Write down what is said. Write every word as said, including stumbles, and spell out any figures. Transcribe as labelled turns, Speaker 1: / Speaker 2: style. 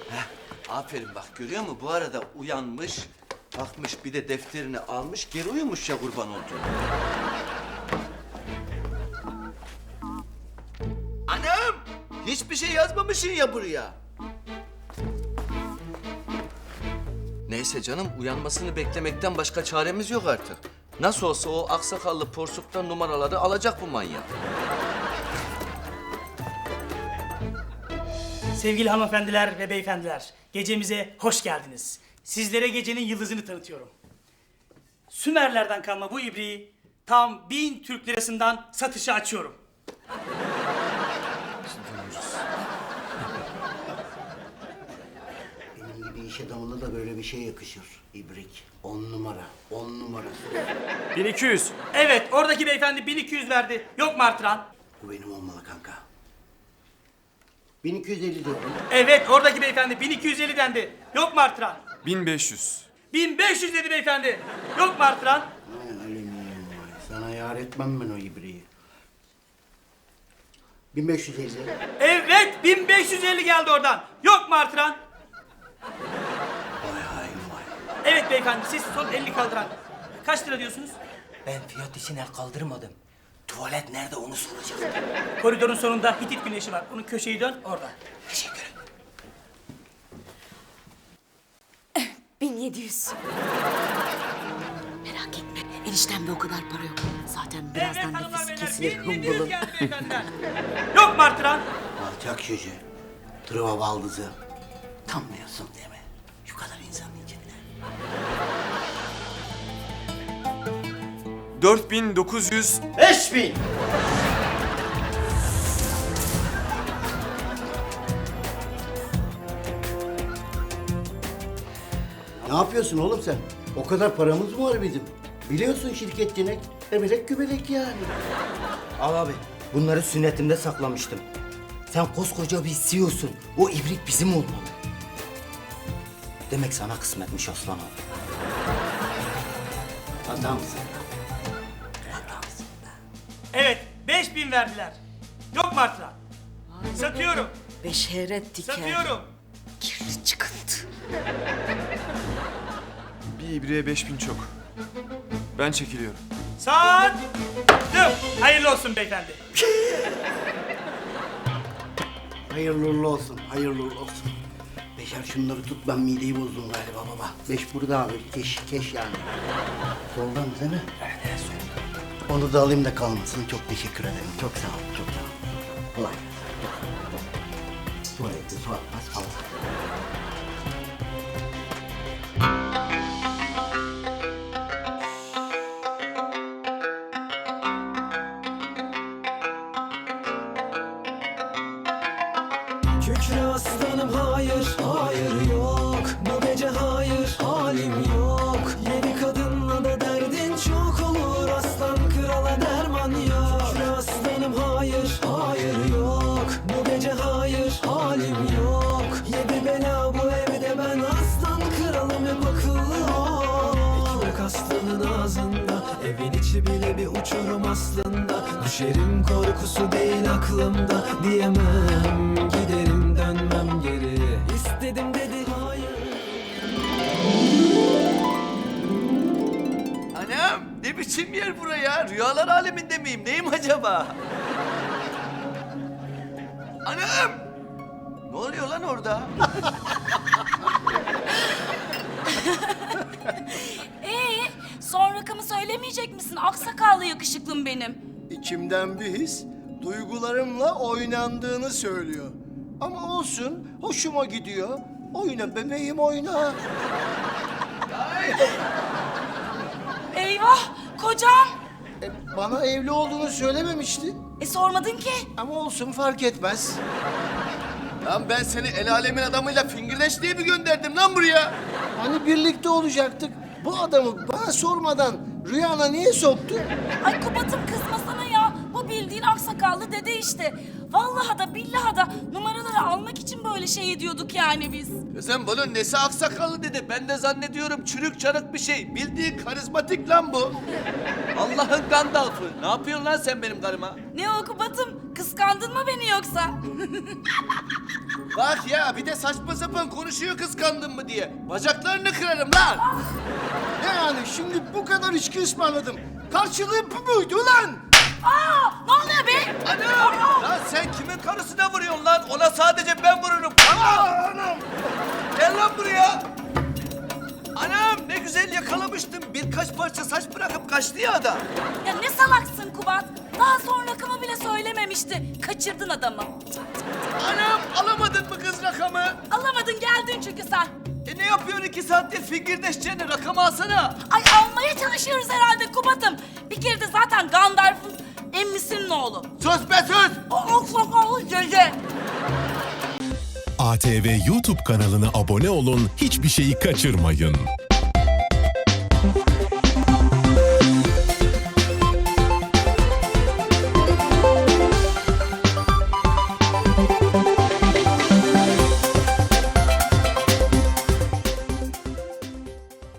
Speaker 1: Aferin bak, görüyor musun? Bu arada uyanmış, bakmış, bir de defterini almış, geri uyumuş ya kurban olduğum. Anam! Hiçbir şey yazmamışsın ya buraya. Neyse canım, uyanmasını beklemekten başka çaremiz yok artık. Nasıl olsa o aksakallı porsuktan numaraları alacak bu manyak.
Speaker 2: Sevgili hanımefendiler ve beyefendiler, gecemize hoş geldiniz. Sizlere gecenin yıldızını tanıtıyorum. Sümerlerden kalma bu ibriği tam bin Türk lirasından satışa açıyorum.
Speaker 3: Benim gibi iş adamına da böyle bir şey yakışır. İbrik. On numara. On numara.
Speaker 4: bin iki yüz.
Speaker 2: Evet, oradaki beyefendi bin iki yüz verdi. Yok mu artıran?
Speaker 3: Bu benim olmalı kanka. bin iki yüz elli diyorum.
Speaker 2: Evet, oradaki beyefendi bin iki yüz elli dendi. Yok mu artıran?
Speaker 4: bin beş yüz.
Speaker 2: bin beş yüz dedi beyefendi. Yok mu artıran?
Speaker 3: Vay alüminyum vay. Sana yar etmem ben o ibriği. bin beş yüz elli.
Speaker 2: Evet, bin beş yüz elli geldi oradan. Yok mu artıran?
Speaker 3: Vay hain vay.
Speaker 2: Evet beyefendi, siz son elli kaldıran. Kaç lira diyorsunuz?
Speaker 5: Ben fiyat için el kaldırmadım. Tuvalet nerede onu soracaktım.
Speaker 2: Koridorun sonunda Hitit güneşi var. Onun köşeyi dön, orada.
Speaker 5: Teşekkür ederim.
Speaker 6: bin yedi yüz. Merak etme, eniştemde o kadar para yok. Zaten birazdan
Speaker 2: Evet hanımlar
Speaker 6: nefesi
Speaker 2: beyler,
Speaker 6: kesilir
Speaker 2: bin yedi yüz
Speaker 6: hımbılım.
Speaker 2: geldi beyefendiler. Yok mu artıran?
Speaker 3: Alçak şişe. Tırva baldızı. Tanmıyorsun değil mi? Şu kadar insanın içinde.
Speaker 4: dört bin dokuz yüz.
Speaker 1: Beş bin!
Speaker 3: Ne yapıyorsun oğlum sen? O kadar paramız mı var bizim? Biliyorsun şirket denek. Emelek gübelek yani.
Speaker 5: Al abi, bunları sünnetimde saklamıştım. Sen koskoca bir C E O'sun. O ibrik bizim olmalı. Demek sana kısmetmiş aslan abi.
Speaker 3: Adamsın.
Speaker 2: Evet, beş bin verdiler. Yok mu artıran? Satıyorum,
Speaker 6: Beşeret diker.
Speaker 2: satıyorum.
Speaker 6: Kirli çıkıntı.
Speaker 4: Bir ibriğe beş bin çok. Ben çekiliyorum.
Speaker 2: Sattım. Hayırlı olsun beyefendi.
Speaker 3: Hayırlı uğurlu olsun, hayırlı uğurlu olsun. Beşer şunları tut, ben mideyi bozdum galiba baba. Beş burada abi, keş, keş yani. Soldan değil mi? Evet, evet soldan. Onu da alayım da kalmasın. Çok teşekkür ederim. Çok sağ ol, çok sağ ol. Kolay gelsin. Tuvalette su atmaz kalsın.
Speaker 7: Kükre aslanım hayır, hayır yok. Bu gece hayır, halim yok. Yedi kadınla da derdin çok olur. Aslan krala derman yok. Kükre aslanım hayır, hayır yok. Bu gece hayır, halim yok. Yedi bela bu evde ben aslan kralım hep akıllı ol. Ekmek aslanın ağzında, evin içi bile bir uçurum aslında. Düşerim korkusu değil aklımda, diyemem giderim dönmem geri. İstedim dedi hayır.
Speaker 1: Anam, ne biçim yer buraya? Rüyalar aleminde miyim? Neyim acaba? Anam! Ne oluyor lan orada?
Speaker 6: Ee, son rakamı söylemeyecek misin? Aksakallı yakışıklım benim.
Speaker 8: İçimden bir his duygularımla oynandığını söylüyor. Ama olsun, hoşuma gidiyor. Oyna bebeğim oyna.
Speaker 6: Eyvah, kocam.
Speaker 8: E, bana evli olduğunu söylememişti.
Speaker 6: E sormadın ki.
Speaker 8: Ama olsun fark etmez.
Speaker 1: Lan ben seni el alemin adamıyla fingirdeş diye mi gönderdim lan buraya?
Speaker 8: Hani birlikte olacaktık. Bu adamı bana sormadan rüyana niye soktun?
Speaker 6: Ay Kubat'ım kızmasana ya. Bu bildi bildiğin aksakallı dede işte. Vallahi da billahi da numaraları almak için böyle şey ediyorduk yani biz.
Speaker 1: Kızım bunun nesi aksakallı dedi. Ben de zannediyorum çürük çarık bir şey. Bildiğin karizmatik lan bu. Allah'ın Gandalf'ı. Ne yapıyorsun lan sen benim karıma?
Speaker 6: Ne o Kubat'ım? Kıskandın mı beni yoksa?
Speaker 1: Bak ya bir de saçma sapan konuşuyor kıskandın mı diye. Bacaklarını kırarım lan.
Speaker 8: Ne yani şimdi bu kadar içki ısmarladım. Karşılığı bu muydu lan?
Speaker 6: Aa, ne oluyor be?
Speaker 1: Anam! Lan sen kimin karısına vuruyorsun lan? Ona sadece ben vururum. Anam! Anam! Gel lan buraya. Anam ne güzel yakalamıştım. Birkaç parça saç bırakıp kaçtı ya adam.
Speaker 6: Ya ne salaksın Kubat? Daha son rakamı bile söylememişti. Kaçırdın adamı.
Speaker 1: Anam alamadın mı kız rakamı?
Speaker 6: Alamadın geldin çünkü sen.
Speaker 1: E ne yapıyorsun iki saattir fingirdeşeceğini rakamı alsana.
Speaker 6: Ay almaya çalışıyoruz herhalde Kubat'ım. Bir kere de zaten Gandalf'ın emmisinin oğlu.
Speaker 1: Sus be sus!
Speaker 6: O aksakallı dede.
Speaker 9: A T V YouTube kanalına abone olun, hiçbir şeyi kaçırmayın.